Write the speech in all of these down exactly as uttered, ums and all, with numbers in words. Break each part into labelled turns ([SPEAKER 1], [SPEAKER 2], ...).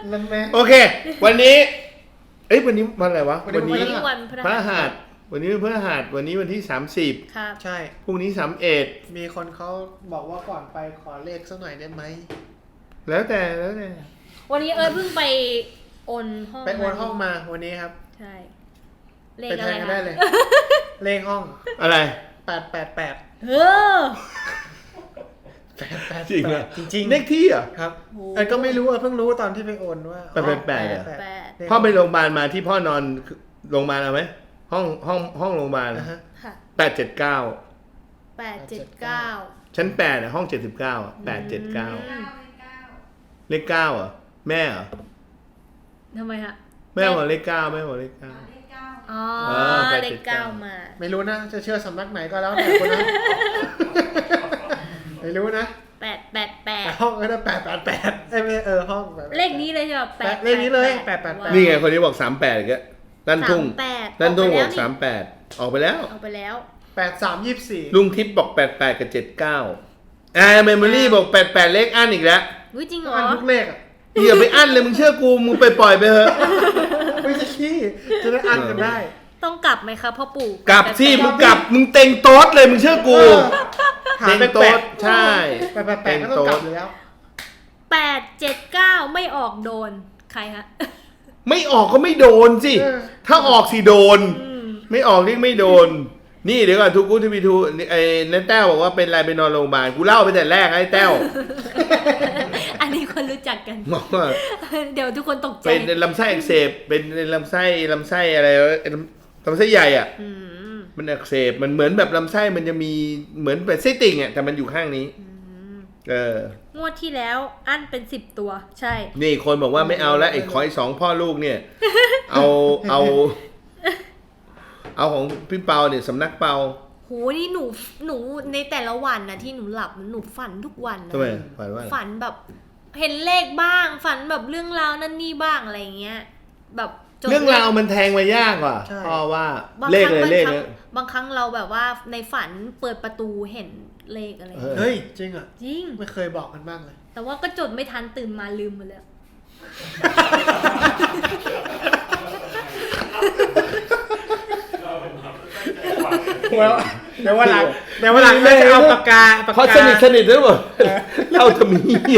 [SPEAKER 1] โอเควันนี้เอ้ยวันนี้วันอะไรวะวันนี้
[SPEAKER 2] วันพ
[SPEAKER 1] พ
[SPEAKER 2] ฤ
[SPEAKER 1] ระ
[SPEAKER 2] หั
[SPEAKER 1] หั
[SPEAKER 2] ส
[SPEAKER 1] สวันนี้พระหัสวันนี้วันที่สามสิบ
[SPEAKER 2] ครับ
[SPEAKER 3] ใช่
[SPEAKER 1] พรุ่งนี้สามเอ็ด
[SPEAKER 3] มีคนเขาบอกว่าก่อนไปขอเลขสักหน่อยได้ไหม
[SPEAKER 1] แล้วแต่แล้วแต่
[SPEAKER 2] วันนี้เอิร์ธเพิ่งไปโอนห้อง
[SPEAKER 3] ไปโอนห้องมาวันนี้ครับ
[SPEAKER 2] ใช่เลข
[SPEAKER 3] ไป
[SPEAKER 2] อะ
[SPEAKER 3] แท
[SPEAKER 2] ไร
[SPEAKER 3] นกัน
[SPEAKER 2] คะ
[SPEAKER 3] ได้เลย เลขห้อง
[SPEAKER 1] อะไร
[SPEAKER 3] แปดแปดแปด
[SPEAKER 2] เออ
[SPEAKER 3] แปดแปด
[SPEAKER 1] จริงเหรอ
[SPEAKER 3] จริงๆ
[SPEAKER 1] เลขที่เหรอ
[SPEAKER 3] ครับ
[SPEAKER 2] โอ้
[SPEAKER 3] เออก็ไม่รู้อ่ะเพิ่งรู้ตอนที่ไปโอนว่า
[SPEAKER 1] แปดแปดแปดเหรอ
[SPEAKER 2] แปด
[SPEAKER 1] พ่อไปโรงพยาบาลมาที่พ่อนอนโรงพยาบาลเอาไหมห้องห้องห้องโรงพยาบาล
[SPEAKER 3] นะฮะ
[SPEAKER 2] ค่ะ
[SPEAKER 1] แปดเจ็ดเก้า
[SPEAKER 2] แปดเจ็ดเก้า
[SPEAKER 1] ชั้นแปดอะห้องเจ็ดสิบเก้าแปดเจ็ดเก้าเลขเก้าเหรอแม่เหรอ
[SPEAKER 2] ทำไมฮะ
[SPEAKER 1] แม่บอกเลขเก้าแม่บอกเลขเก้า
[SPEAKER 2] อ๋อ
[SPEAKER 1] เออแปด
[SPEAKER 2] เล
[SPEAKER 1] เจ็
[SPEAKER 2] ข
[SPEAKER 1] ดเก้า
[SPEAKER 2] เก้ามา
[SPEAKER 3] ไม่รู้นะจะเชื่อสำนักไหนก็แล้วแต่คนนะ ไม่รู้นะ
[SPEAKER 2] แปดแปดแปด
[SPEAKER 3] แต่ห้องก็ได้แปดแปดแปดเอ้ยไม่เออห้องแบบ
[SPEAKER 2] เลขนี้เลยใช่ไหมแปด
[SPEAKER 3] เลขนี้เลยแปดแปดแปด
[SPEAKER 1] นี่ไงคนนี้บอกสามแปดก็ด้านทุ่ง
[SPEAKER 2] สามแปด
[SPEAKER 1] ด้านทุ่ง
[SPEAKER 2] อ
[SPEAKER 1] บอก
[SPEAKER 2] อกไปแล้วนี่
[SPEAKER 1] สามแปดออกไปแล้ว
[SPEAKER 2] เอาไปแล้ว
[SPEAKER 3] แปดสามยี่สิบสี่
[SPEAKER 1] ลุงทิพย์บอกแปดแปดกับเจ็ดเก้าอ่าเมมโมรี่บอกแปดแปดเลขอั้นอีกแล้ว
[SPEAKER 2] วิจริงเหรอ
[SPEAKER 3] อันทุกเลขอ่ะ
[SPEAKER 1] อย่าไปอั้นเลยมึงเชื่อกูมึงไปปล่อยไปเถอะ
[SPEAKER 3] ไม่ใช่ขี้จะได้อันกันได้
[SPEAKER 2] ต้องกลับไหมคะพ่อปู่
[SPEAKER 1] กลับสิมึงกลับมึงเต็งโต๊ดเลยมึงเชื่อกู
[SPEAKER 3] หา
[SPEAKER 1] เต็ง
[SPEAKER 3] แปล
[SPEAKER 1] โต๊
[SPEAKER 3] ก
[SPEAKER 1] ดใช่
[SPEAKER 3] แปดแปดแปดก็ต้องกลับอยู่แล้ว
[SPEAKER 2] แปดเจ็ดเก้าไม่ออกโดนใครฮะ
[SPEAKER 1] ไม่ออกก็ไม่โดนสิ
[SPEAKER 3] เออ
[SPEAKER 1] ถ้าออกสิโดน
[SPEAKER 2] อืม
[SPEAKER 1] ไม่ออกนี่ไม่โดน นี่เดี๋ยวก่อนทุกกูทีวีทูไอ้นั่นแต้วบอกว่าเป็นไรไปนอนโรงพยาบาลกูเล่าไปแต่แรกไอ้แต้ว
[SPEAKER 2] อันนี้คนรู้จักกัน
[SPEAKER 1] บอกว่า
[SPEAKER 2] เดี๋ยวทุกคนตกใจ
[SPEAKER 1] เป็นลำไส้อักเสบเป็นลำไส้ลำไส้อะไรวะลำไส้ใหญ่อ่ะ
[SPEAKER 2] อืม
[SPEAKER 1] มันอักเสบมันเหมือนแบบลำไส้มันจะมีเหมือนเป็นไส้ติ่งอ่ะแต่มันอยู่ข้างนี้
[SPEAKER 2] อืม
[SPEAKER 1] เออ
[SPEAKER 2] งวดที่แล้วอันเป็นสิบตัว ใช่
[SPEAKER 1] นี่คนบอกว่าไม่เอาแล้วไอ้ขอไอ้สองพ่อลูกเนี่ย เอาเอา เอาของพี่เปาเนี่ยสำนักเปา
[SPEAKER 2] โหนี่หนูหนูในแต่ละวันนะที่หนูหลับหนูฝันทุกวันนะ
[SPEAKER 1] ทำไมฝันว่าอะไร
[SPEAKER 2] ฝันแบบเห็นเลขบ้าง ฝันแบบเรื่องราวนั่นนี่บ้างอะไรเงี้ย แบบจน
[SPEAKER 1] เรื่องราวมันแทงมายากกว่า
[SPEAKER 3] ใช่
[SPEAKER 1] พ่อว่า
[SPEAKER 2] บาง
[SPEAKER 1] เลข
[SPEAKER 2] ครั้ง
[SPEAKER 1] เลย
[SPEAKER 2] บาง
[SPEAKER 1] เลข
[SPEAKER 2] ครั้
[SPEAKER 1] เล
[SPEAKER 2] ง
[SPEAKER 1] ย
[SPEAKER 2] บางครั้งเราแบบว่าในฝันเปิดประตูเห็นเลขอะไร
[SPEAKER 1] เออ
[SPEAKER 3] เฮ้ยจริงอ่ะ
[SPEAKER 2] จริง
[SPEAKER 3] ไม่เคยบอกกันบ้างเลย
[SPEAKER 2] แต่ว่าก็จดไม่ทันตื่นมาลืมหมดแล้ว
[SPEAKER 3] เดี๋ยวเดี๋ยววันหลังเดี๋ยววันหลังแม่จะเอาปากกาปาก
[SPEAKER 1] เพราะ
[SPEAKER 3] กา
[SPEAKER 1] สนิทสนิทด้วยบ่เล่าทำไมเนี่ย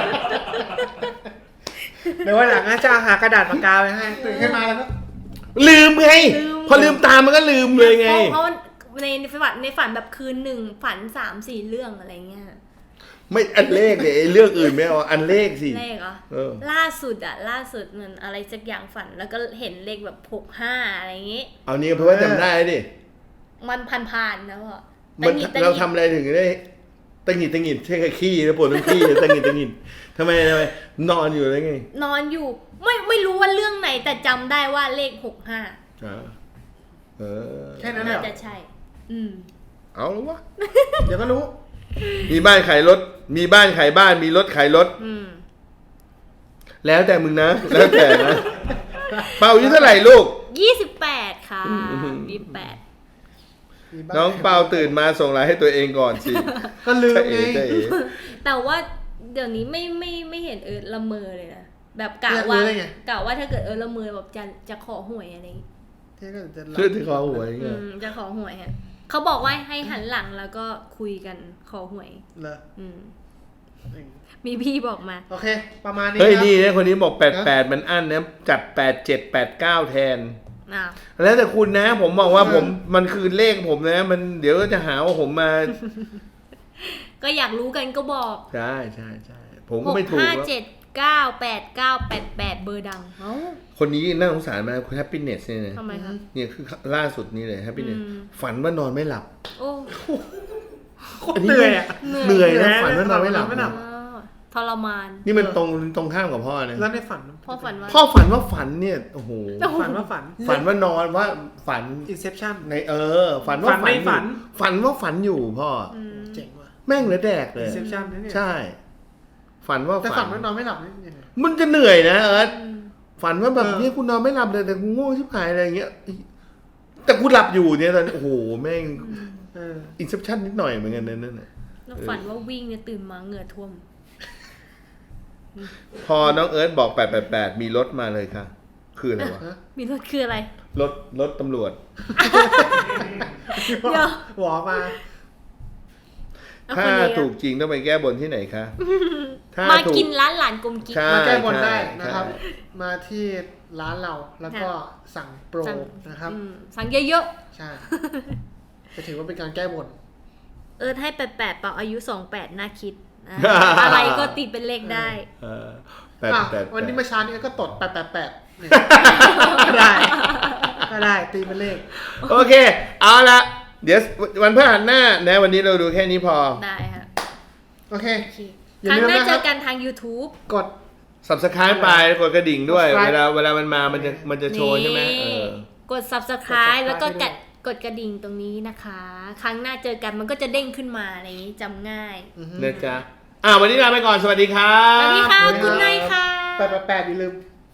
[SPEAKER 3] เดี๋ยววันหลังนะจะเอาหากระดาษปากกาไว้ให้ตื่นขึ้นมาแล้วก็
[SPEAKER 1] ลืมไงพอลืมตามมันก็ลืมเลยไง
[SPEAKER 2] เพราะเพราะในในฝันในฝันแบบคืนหนึ่งฝันสามสี่เรื่องอะไรเงี้ย
[SPEAKER 1] ไม่อันเลขเนี่ยไอ้เรื่องอื่นไม่เอาอันเลขสิ
[SPEAKER 2] เลขเหรอ
[SPEAKER 1] เออ
[SPEAKER 2] ล่าสุดอะล่าสุดมันอะไรสักอย่างฝันแล้วก็เห็นเลขแบบหกห้าอะไรอย่างงี้
[SPEAKER 1] เอานี้เพราะว่าจำได้ดิ
[SPEAKER 2] มันผ่านๆนะพ่อ
[SPEAKER 1] มัน
[SPEAKER 2] ตะหงิดตะห
[SPEAKER 1] เรา
[SPEAKER 2] งิด
[SPEAKER 1] ทำอะไรถึงได้ตังหิดตังหิดใช่แค่ขี้แล้วปวดทั้งขี้ตังหิดตังหิดทำไมทำไมนอนอยู่แล้วไง
[SPEAKER 2] นอนอยู่ไม่ไม่รู้ว่าเรื่องไหนแต่จำได้ว่าเลขหกห้า
[SPEAKER 1] อ่าเออ
[SPEAKER 3] แค่นั้นเหร
[SPEAKER 2] น่า
[SPEAKER 3] อ
[SPEAKER 2] จะใช่ อืม
[SPEAKER 1] เอาแล้ววะ
[SPEAKER 3] เดี๋ยวก็รู้
[SPEAKER 1] มีบ้านขายรถ มีบ้านขายบ้าน มีรถขายรถ
[SPEAKER 2] อืม
[SPEAKER 1] แล้วแต่มึงนะ แล้วแต่นะ เป่าอายุเท่าไหร่ลูก
[SPEAKER 2] ยี่สิบแปดค่ะ
[SPEAKER 1] อืม
[SPEAKER 2] ยี่สิบแปด
[SPEAKER 3] มีบ้
[SPEAKER 1] น้องเปาตื่นมาส่งไลน์ให้ตัวเองก่อนสิ
[SPEAKER 3] ก็ลืม
[SPEAKER 1] ใช่
[SPEAKER 3] ไง
[SPEAKER 1] เอ๋ใช่เอ๋
[SPEAKER 2] แต่ว่าเดี๋ยวนี้ไม่ไม่ไม่เห็นเอิร์ธละเมอเลยนะแบบกะ
[SPEAKER 3] อยากรู้
[SPEAKER 2] ว่า
[SPEAKER 3] ได้ไง
[SPEAKER 2] กะว่าถ้าเกิดเอิร์ธละเมอแบบจะจะขอหวยอะไรอย่างงี้
[SPEAKER 3] เท่ก็จะหลับ
[SPEAKER 1] เชื่อที่คอหวย
[SPEAKER 2] อื
[SPEAKER 1] เงี้ย
[SPEAKER 2] มจะขอหวยฮะเขาบอกว่าให้หันหลังแล้วก็คุยกันขอหวย
[SPEAKER 3] เหรอ
[SPEAKER 2] อืม
[SPEAKER 3] อืม
[SPEAKER 2] มีพี่บอกมา
[SPEAKER 3] โอเค ประมาณนี้
[SPEAKER 1] เฮ้ย
[SPEAKER 3] ครับ
[SPEAKER 1] นี่นะคนนี้บอกแปดแปดมันอั้นนะจัดแปดเจ็ดแปดเก้าแทน
[SPEAKER 2] อ้าว
[SPEAKER 1] แล้วแต่คุณนะ ผมบอกว่าผมมันคือเลขผมนะ มันเดี๋ยวก็จะหาว่าผมมา
[SPEAKER 2] ก็อยากรู้กันก็บอก
[SPEAKER 1] ใช่ใช่ใช่ผม
[SPEAKER 2] ห
[SPEAKER 1] ก็
[SPEAKER 2] ก
[SPEAKER 1] ไม่ถูก
[SPEAKER 2] ห้า
[SPEAKER 1] แล้ว
[SPEAKER 2] เจ็ดเก้าแปดเก้าแปดแปดเบอร์ดังเอ้า
[SPEAKER 1] คนนี้น่าสงสารมากคุณแฮปปี้เนสเนี่ยนะ
[SPEAKER 2] ทำไมครับ
[SPEAKER 1] เนี่ยคือล่าสุดนี้เลยแฮปปี้เนส
[SPEAKER 2] อืม
[SPEAKER 1] ฝันว่านอนไม่หลับ
[SPEAKER 2] โอ้
[SPEAKER 3] โคตรเหนื่อยอ่ะ
[SPEAKER 1] เหนื่อย
[SPEAKER 3] เหนื่
[SPEAKER 1] นะ
[SPEAKER 3] อย
[SPEAKER 1] ฝันว่านอนไม่หลับ
[SPEAKER 3] ไม่หลับ
[SPEAKER 2] อ้าวทรมาน
[SPEAKER 1] นี่มันตรงตรงข้ามกับพ่อนะ
[SPEAKER 3] แล้วในฝัน
[SPEAKER 2] พ่อฝันว่า
[SPEAKER 1] พ่อฝันว่าฝันเนี่ยโอ้โห
[SPEAKER 3] ฝันว่าฝัน
[SPEAKER 1] ฝันว่านอนว่าฝัน
[SPEAKER 3] Inception
[SPEAKER 1] ในเออ ฝันว่า
[SPEAKER 3] ฝันใน
[SPEAKER 1] อยู่
[SPEAKER 3] ฝัน
[SPEAKER 1] ฝันว่าฝันอยู่พ่อ
[SPEAKER 2] อืม
[SPEAKER 3] เจ๋งว่ะ
[SPEAKER 1] แม่งเหลือแดกเลย
[SPEAKER 3] Inception นะเนี่ย
[SPEAKER 1] ใช่ ฝันว่า
[SPEAKER 3] แต่
[SPEAKER 1] ฝั
[SPEAKER 3] ฝั
[SPEAKER 1] น
[SPEAKER 3] นว่านอนไม่หลับนี่ยังไง
[SPEAKER 1] มันจะเหนื่อยนะเอิร์ธ
[SPEAKER 2] อืม
[SPEAKER 1] ฝันว่าแบบ
[SPEAKER 3] เออ
[SPEAKER 1] เนี่ยกูนอนไม่หลับเลยแต่กูง่วงชิบหายอะไรอย่างเงี้ยแต่กูหลับอยู่เนี่ยตอนโอ้โหแม่ง
[SPEAKER 3] เออ
[SPEAKER 1] อินเซปชั่นนิดหน่อยเหมือนกันนั่นน่ะ
[SPEAKER 2] แล้วฝันว่าวิ่งเนี่ยตื่นมาเหงื่อท่วม
[SPEAKER 1] พอน้องเอิร์ธบอกแปดแปดแปดมีรถมาเลยค่ะ คืออะไรวะ
[SPEAKER 2] มีรถคืออะไร
[SPEAKER 1] รถรถตำรวจ
[SPEAKER 2] เดี๋ยว
[SPEAKER 3] หัวมา
[SPEAKER 2] เอา
[SPEAKER 1] ถ้า
[SPEAKER 2] คนนี้
[SPEAKER 1] ถูกจริงต้องไปแก้บนที่ไหนคะถ้า
[SPEAKER 2] มา
[SPEAKER 1] ถู
[SPEAKER 2] กินร้านหลานกลมกิ๊ก
[SPEAKER 1] ใช่
[SPEAKER 3] มาแก้บนได้
[SPEAKER 1] ใช่
[SPEAKER 3] นะครับ
[SPEAKER 1] ใช่
[SPEAKER 3] มาที่ร้านเราแล้วก็สั่งโปร
[SPEAKER 2] สั่ง
[SPEAKER 3] นะครับ
[SPEAKER 2] อืมสั่งเยอะ
[SPEAKER 3] ใช่จะถือว่าเป็นการแก้บน
[SPEAKER 2] ๆ เออให้แปดแปดเปล่าอายุสองแปดน่าคิดอ่ะ อะไรก็ตีเป็นเลขได้
[SPEAKER 1] เออแปด
[SPEAKER 3] อ่ะ
[SPEAKER 1] แปด
[SPEAKER 3] วันนี้
[SPEAKER 1] แปด
[SPEAKER 3] เมื่อเช้านี้ก็ตดแปดแปดแปดก็ได้ ก็ได้ตีเป็นเลข
[SPEAKER 1] โอเค เอาละเดี๋ยววันพฤหัสหน้านะวันนี้เราดูแค่นี้พอ
[SPEAKER 2] ได้ค่ะ
[SPEAKER 3] โอเค
[SPEAKER 2] โอเค
[SPEAKER 3] อย่า
[SPEAKER 2] ครั้ง
[SPEAKER 3] ลืม
[SPEAKER 2] หน้า
[SPEAKER 3] นะค
[SPEAKER 2] เจ
[SPEAKER 3] รับ
[SPEAKER 2] อกันทาง YouTube
[SPEAKER 3] กด
[SPEAKER 1] subscribe ไปกดกระดิ่งด้วย
[SPEAKER 3] subscribe
[SPEAKER 1] เวลาเวลามันมามันจะมันจะโชว์ใช่ไหมเออ
[SPEAKER 2] กด subscribe
[SPEAKER 3] กด subscribe
[SPEAKER 2] แล้วก็
[SPEAKER 3] ให้ด้วย
[SPEAKER 2] กดกดกระดิ่งตรงนี้นะคะ ครั้งหน้าเจอกันมันก็จะเด้งขึ้นมาอะไรอย่างนี้จำง่าย
[SPEAKER 3] อือฮึ
[SPEAKER 1] นะจ๊ะอ่าวันนี้ลาไปก่อนสวัสดีครั
[SPEAKER 2] ส
[SPEAKER 1] บ
[SPEAKER 2] วัสดีค่ะ
[SPEAKER 3] สวัสดีครับ
[SPEAKER 2] คุณนายค่ะ
[SPEAKER 3] แปดแปดแปดอย่าลืม